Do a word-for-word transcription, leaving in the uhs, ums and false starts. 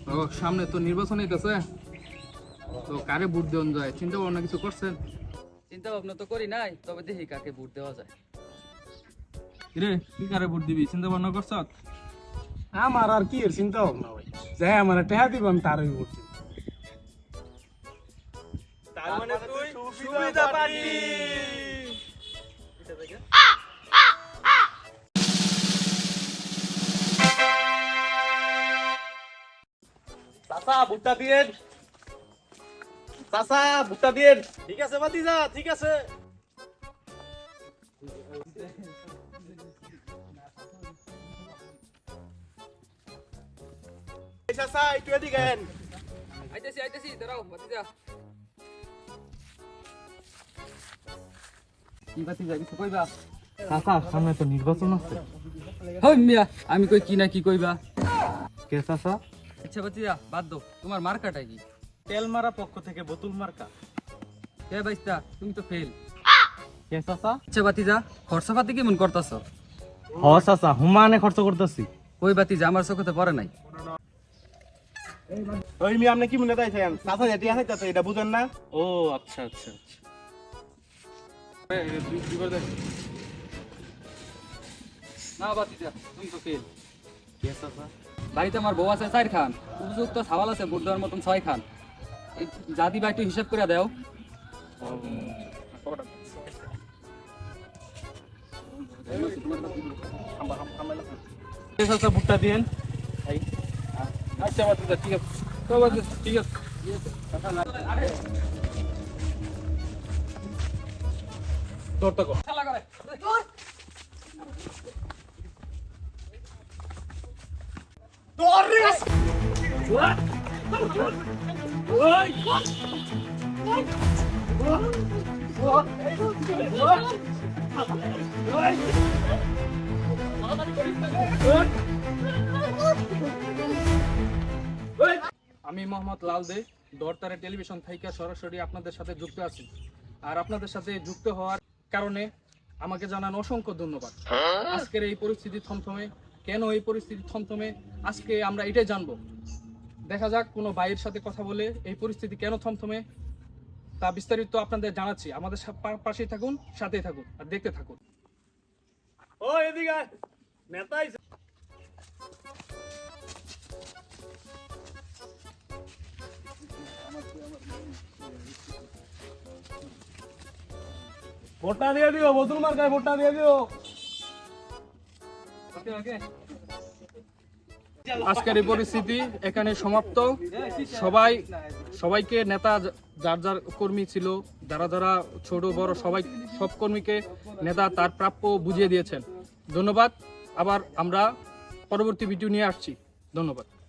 ও সামনে তো নির্বাচন হইতেছে, তো কারে ভোট দেওয়া যায় চিন্তা ভাবনা কিছু করছেন? চিন্তা ভাবনা তো করি নাই, তবে দেখি কাকে ভোট দেওয়া যায়। রে তুই কারে ভোট দিবি চিন্তা ভাবনা করছ? আমার আর কি এর চিন্তা ভাবনা ভাই, যাই আমার টেহা দিব আমি তারই করছি। তার মানে তুই সুবিধা পাবি। চাচা ভুট্টা দিয়েন, চাচা ভুট্টা দিয়েন। ঠিক আছে ভাতিজা, ঠিক আছে। এই চাচা একটু এদিকে আইন। আইতেছি আইতেছি, দাঁড়াও ভাতিজা। কি ভাতিজা কিছু কইবা? চাচা সামনে তো নির্বাচন আছে। হই মিয়া, আমি কই কি না কি কইবা? কে চাচা? আচ্ছা ভাতিজা বাদ দাও, তোমার মার্কাটা কি? তেল মারা পক্ষ থেকে বোতল মার্কা। কে বাইস্তা, তুমি তো ফেল। কে চাচা? আচ্ছা ভাতিজা, খরচাপাতি কেমন করতাছো? হ চাচা হুমানে খরচ করতেছি। ওই ভাতিজা আমার চোখে পড়ে নাই। ওই মি আপনি কি মনে চাইছেন? চাচা যেটি আছে চাচা এটা বুঝেন না? ও আচ্ছা আচ্ছা আচ্ছা। না ভাতিজা, তুমি তো ফেল। কে চাচা? বাড়িতে আমার বউ আছে চার খান, উপযুক্ত সাওয়াল আছে ভোট দেওয়ার মতন ছয় খান। এই যা দিবা একটু হিসাব করে দাও। কে চাচা ভুট্টা দিয়েন। আচ্ছা ভাতিজা ঠিক আছে, তো ভাতিজা ঠিক আছে। তোর তো খেলা করে। আমি মোহাম্মদ লাল দে, দরতারে টেলিভিশন থেকে সরাসরি আপনাদের সাথে যুক্ত আছি। আর আপনাদের সাথে যুক্ত হওয়ার কারণে আমাকে জানান অসংখ্য ধন্যবাদ। আজকের এই পরিস্থিতি থমথমে কেন, এই পরিস্থিতি থমথমে আজকে আমরা এটাই জানবো। দেখা যাক কোনো ভাইয়ের সাথে কথা বলে এই পরিস্থিতি কেন থমথমে তা বিস্তারিত আপনাদের জানাচ্ছি। আমাদের সা- পা- পাশেই থাকুন, সাথেই থাকুন আর দেখতে থাকুন। ও এদিকে আয়। নেতা আইছে। ভোটটা দিয়ে দিও, বোতল মার্কায় ভোটটা দিয়ে দিও। আজকের এই পরিস্থিতি এখানে সমাপ্ত। সবাই সবাইকে নেতা যার যার কর্মী ছিল, যারা যারা ছোট বড় সবাই সব কর্মীকে নেতা তার প্রাপ্য বুঝিয়ে দিয়েছেন। ধন্যবাদ। আবার আমরা পরবর্তী ভিডিও নিয়ে আসছি। ধন্যবাদ।